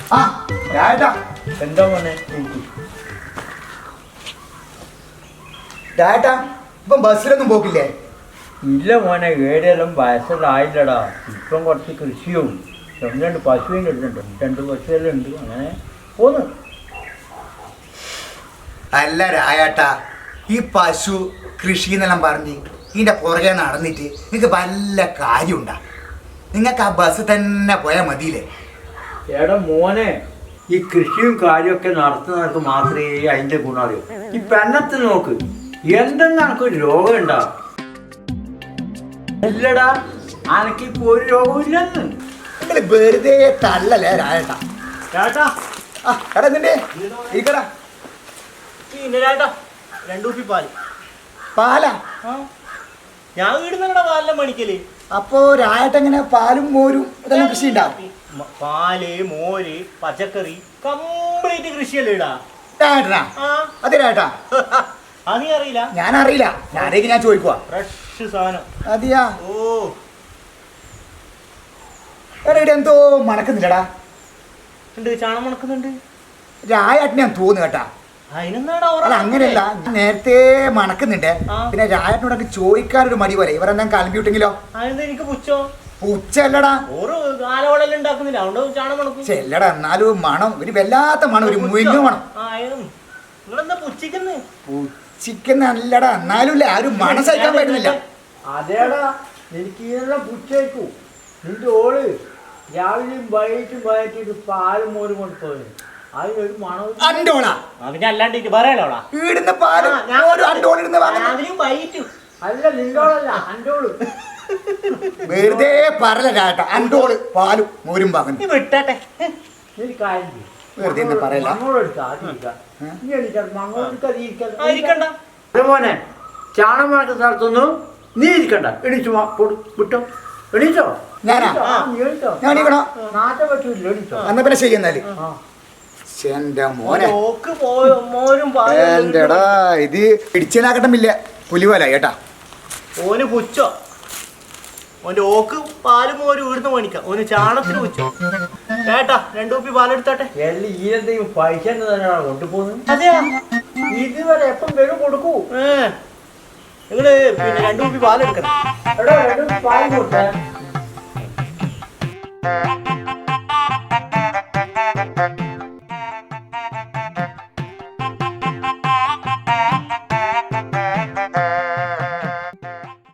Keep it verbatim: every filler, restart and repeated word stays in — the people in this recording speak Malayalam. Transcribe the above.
ആ രാജേട്ടാ എന്താ മോനെ രാജേട്ടാ ഇപ്പം ബസ്സിലൊന്നും പോക്കില്ലേ? ഇല്ല മോനെ, ഏടെയെല്ലാം വയസ്സല്ലായില്ലടാ. ഇപ്പം കുറച്ച് കൃഷിയും ഒന്ന് രണ്ട് പശുവിനും എടുത്തിട്ടുണ്ട്, രണ്ട് പശുവെല്ലാം ഉണ്ട്, അങ്ങനെ പോന്നു. അല്ല രാജേട്ടാ, ഈ പശു കൃഷി എന്നെല്ലാം പറഞ്ഞ് ഇതിൻ്റെ പുറകെ നടന്നിട്ട് നിങ്ങൾക്ക് വല്ല കാര്യമുണ്ടാ? നിങ്ങൾക്ക് ആ ബസ് തന്നെ പോയാൽ മതിയില്ലേ? എടാ മോനെ, ഈ കൃഷിയും കാര്യമൊക്കെ നടത്തുന്നവർക്ക് മാത്രമേ അതിൻ്റെ ഗുണം അറിയൂ. ഈ പെണ്ണത്ത് നോക്ക്, എന്തെന്ന് എനക്കൊരു രോഗം ഉണ്ടാ? ഇല്ലടാ, അനക്കിപ്പോ ഒരു രോഗവും ഇല്ലെന്ന്. നിങ്ങൾ വെറുതെ തള്ളല്ലേ രാജേട്ടാ. ചേട്ടാ ആ എടാ എന്നിട്ടേ ഇരിക്കടാ. പിന്നെ ചേട്ടാ രണ്ടു കുപ്പി പാല്. പാലാ? ഞാൻ വീടുന്നങ്ങടെ പാലെല്ലാം മണിക്കല്. അപ്പോ രാജേട്ട എങ്ങനെ പാലും മോരും ഇതെല്ലാം കൃഷി ഉണ്ടാവും? പാല്, മോര്, പച്ചക്കറി കംപ്ലീറ്റ് കൃഷിയല്ലേ ഇടാ രാജേട്ടനാ? അതെ രാജേട്ടാ. അത് നീ അറിയില്ല? ഞാൻ അറിയില്ല, ഞാനേക്ക് ഞാൻ ചോദിക്കുവാ. ഫ്രഷ് സാധനം. അതെയാ? ഓ എടാ ഇവിടെ എന്തോ മണക്കുന്നില്ലടാ. ഉണ്ട്, ചാണം മണക്കുന്നുണ്ട്. രാജേട്ടനെ ഞാൻ തോന്നുന്നു കേട്ടാ. അതിനെന്താടാ? അല്ല അങ്ങനെയല്ല, നേരത്തെ മണക്കുന്നുണ്ട്. പിന്നെ രാജേട്ടനോടൊക്കെ ചോദിക്കാനൊരു മടി പോലെ. ഇവരെന്താ കലമ്പിവിട്ടെങ്കിലോ? അതെന്താ എനിക്ക് പുച്ചോ? പുച്ചല്ലടാ, ഓരോ കാലവളെല്ലാം ഉണ്ടാക്കുന്നില്ല, അതുകൊണ്ട് ചാണം മണക്കും. ചെല്ലടാ, എന്നാലും മണം ഒരു വല്ലാത്ത മണം, ഒരു മുയിഞ്ഞ മണം. നിങ്ങളെന്താ പുച്ചിക്കുന്നു? പുച്ചിക്കുന്ന അല്ലടാ, എന്നാലും ഇല്ല, ആരും മണം സഹിക്കാൻ പറ്റുന്നില്ല. അതേടാ, എനിക്ക് ഇതെല്ലാം പുച്ചേക്കൂ. നിന്റെ ഓള് രാവിലെയും വൈകിട്ടും വൈകിട്ട് പാലും മോരും കൊണ്ടുപോയി. അതിനൊരു മണം. അണ്ടോളാ? അതിന് അല്ലാണ്ട് പറയാലോടാ. ഈടുന്ന പാല് അണ്ടോളിരുന്ന് രാവിലെയും വൈകിട്ടും. അല്ല, നിന്നോളല്ല, അൻ്റോള്. വെറുതെ പറല രാട്ട. അണ്ടോള് പാലും മോരും പാകുന്നു. നീ വിട്ടട്ടെ. നീ കാര്യം ചെയ്യ്. വെറുതെ ഒന്നും പറയല്ല. മോനെ, ചാണം മണക്കുന്ന സ്ഥലത്തൊന്നും നീ ഇരിക്കണ്ട. എണീച്ചു വിട്ടോ, എണീച്ചോ. ഞാനാ? ഞാൻ എണീക്കണോ? നാട്ടെ പറ്റൂല, എണീച്ചോ. എന്നാ പിന്നെ ശരി. എന്നാല് എന്റെ മോനെ, എന്റെടാ ഇത് പിടിച്ചനാക്കട്ടമില്ല, പുലിവല കേട്ടാ. ഓന് പുച്ചോ? ഓന്റെ ഓക്ക് പാലും മോരും ഇവിടുന്ന് മേടിക്കാം. ഓന് ചാണത്തിന് പുച്ചോ? കേട്ടാ, രണ്ടു കുപ്പി പാലെടുത്താട്ടെ. എല്ലാം ഈ എന്തെങ്കിലും പൈസ തന്നെയാണ് കൊണ്ടുപോകുന്നത്. അതെയാ? ഇതുവരെ എപ്പം വരും കൊടുക്കൂ. ഏ നിങ്ങള് പിന്നെ രണ്ടു കുപ്പി പാലെടുക്കണം. എടാ, രണ്ടു പാൽ കൊടുത്തേ.